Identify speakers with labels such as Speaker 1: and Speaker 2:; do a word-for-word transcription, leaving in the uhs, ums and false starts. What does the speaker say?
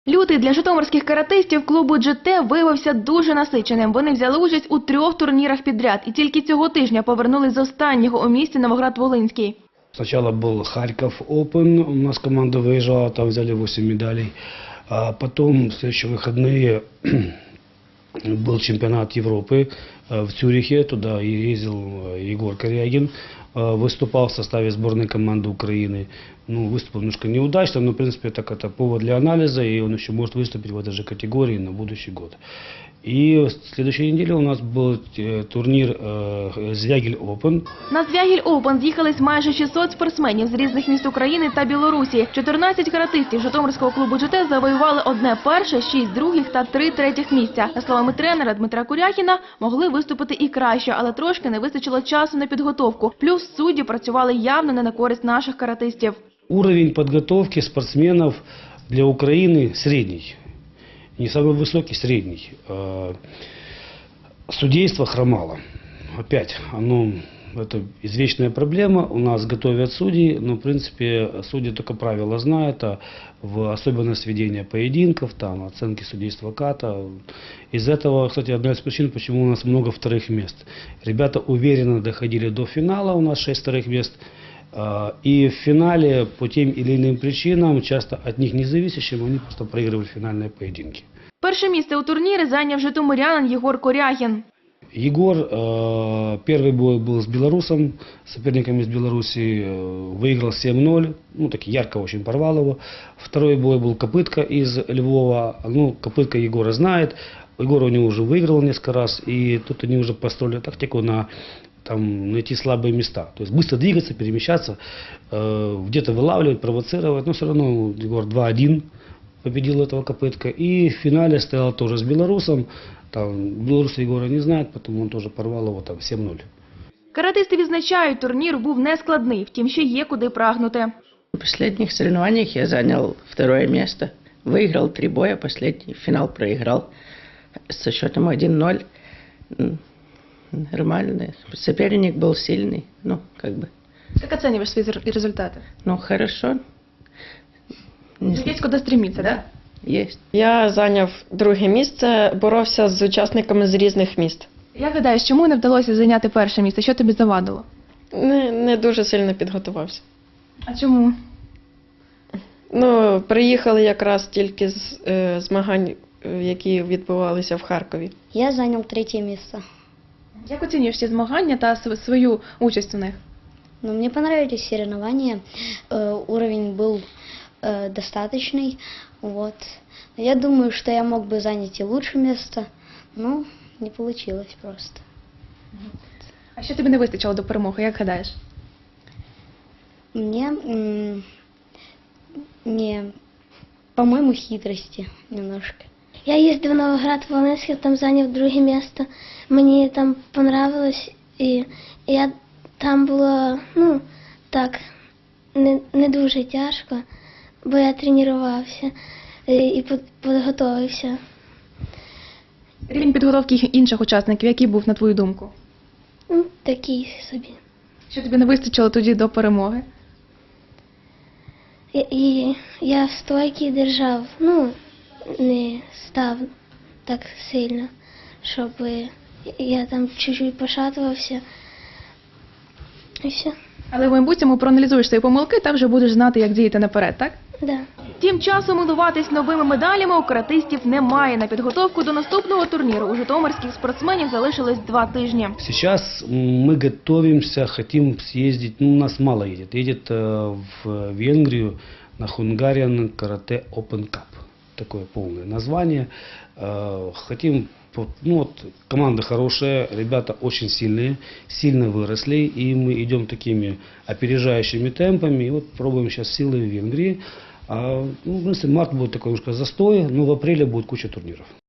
Speaker 1: Лютий для житомирських каратистів клубу джі те виявився дуже насиченим. Вони взяли участь у трьох турнірах підряд і тільки цього тижня повернулись з останнього у місті Новоград-Волинський.
Speaker 2: Сначала был Харьков Open, у нас команда выезжала, там взяли восемь медалей. А потом в следующие выходные был чемпионат Европы в Цюрихе, туда и ездил Егор Корягин, выступал в составе сборной команды Украины. Ну, выступил немножко неудачно, но в принципе так это повод для анализа, и он еще может выступить в этой же категории на будущий год. И в следующей неделе у нас был турнир Звягель Open.
Speaker 1: На Звягель Open з'їхались майже шістсот спортсменів з різних міст України та Білорусі. чотирнадцять каратистів житомирського клубу джі те завоювали одне перше, шість других та три третіх місця. За словами тренера Дмитра Куряхіна, могли виступити і краще, але трошки не вистачило часу на підготовку. Плюс судді працювали явно не на користь наших каратистів.
Speaker 2: Уровень подготовки спортсменов для Украины средний. Не самый высокий, средний. Судейство хромало. Опять, оно, это извечная проблема. У нас готовят судьи, но в принципе судьи только правила знают, а в особенность ведения поединков, там, оценки судейства ката. Из этого, кстати, одна из причин, почему у нас много вторых мест. Ребята уверенно доходили до финала, у нас шесть вторых мест. И в финале по тем или иным причинам, часто от них независящим, они просто проигрывали финальные поединки.
Speaker 1: Перше місце у турнірі зайняв житомирянин Єгор Корягін.
Speaker 2: Егор, э, первый бой был с белорусом, соперником из Беларуси, э, выиграл семь ноль, ну так ярко очень порвал его. Второй бой был Копытка из Львова, ну Копытка Егора знает, Егор у него уже выиграл несколько раз, и тут они уже построили тактику на там, найти слабые места, то есть быстро двигаться, перемещаться, э, где-то вылавливать, провоцировать, но все равно Егор два один победил этого Копытка, и в финале стоял тоже с белорусом. Там білоруси Єгора не знають, тому він теж порвав його там сім нуль.
Speaker 1: Каратисти відзначають, турнір був нескладний, втім ще є куди прагнути.
Speaker 3: В последних соревнованиях я занял второе место. Выиграл три боя, последний финал проиграл со счетом один ноль. Нормально. Соперник был сильный, ну, как бы.
Speaker 1: Как оцениваешь свои результаты?
Speaker 3: Ну, хорошо.
Speaker 1: Есть куди стремиться, да?
Speaker 3: Есть.
Speaker 4: Я зайняв друге місце, боровся з учасниками з різних міст.
Speaker 1: Як гадаєш, чому не вдалося зайняти перше місце? Що тобі завадило?
Speaker 4: Не, не дуже сильно підготувався.
Speaker 1: А чому?
Speaker 4: Ну, приїхали якраз тільки з е, змагань, е, які відбувалися в Харкові.
Speaker 5: Я зайняв третє місце.
Speaker 1: Як оцінюєш ці змагання та свою участь у них?
Speaker 5: Ну, мне понравились соревнования, э, уровень был э, достаточный, вот. Я думаю, что я мог бы занять и лучше место, но не получилось просто.
Speaker 1: А що тобі не вистачило до перемоги, як гадаєш?
Speaker 5: Мне, мне, по-моему, хитрости немножко.
Speaker 6: Я їздив в Новоград-Волинський, там зайняв друге місце. Мені там понравилось, і я там було, ну, так, не, не дуже тяжко, бо я тренувався і підготовився.
Speaker 1: Рівень підготовки інших учасників, який був, на твою думку?
Speaker 6: Ну, такий собі.
Speaker 1: Що тобі не вистачило тоді до перемоги?
Speaker 6: І, і я стойки держав, ну, не став так сильно, щоб я там чуть-чуть пошатувався. І все.
Speaker 1: Але в майбутньому проаналізуєш свої помилки та вже будеш знати, як діяти наперед, так?
Speaker 6: Да.
Speaker 1: Тим часом милуватись новими медалями у каратистів немає. На підготовку до наступного турніру у житомирських спортсменів залишилось два тижні.
Speaker 2: Сейчас мы готовимся, хотим съездить, ну у нас мало едет, едет в Венгрию на Hungarian Karate Open Cup. Такое полное название. Хотим, ну вот, команда хорошая, ребята очень сильные, сильно выросли, и мы идем такими опережающими темпами, и вот пробуем сейчас силы в Венгрии. А, ну, в принципе, март будет такой немножко застой, но в апреле будет куча турниров.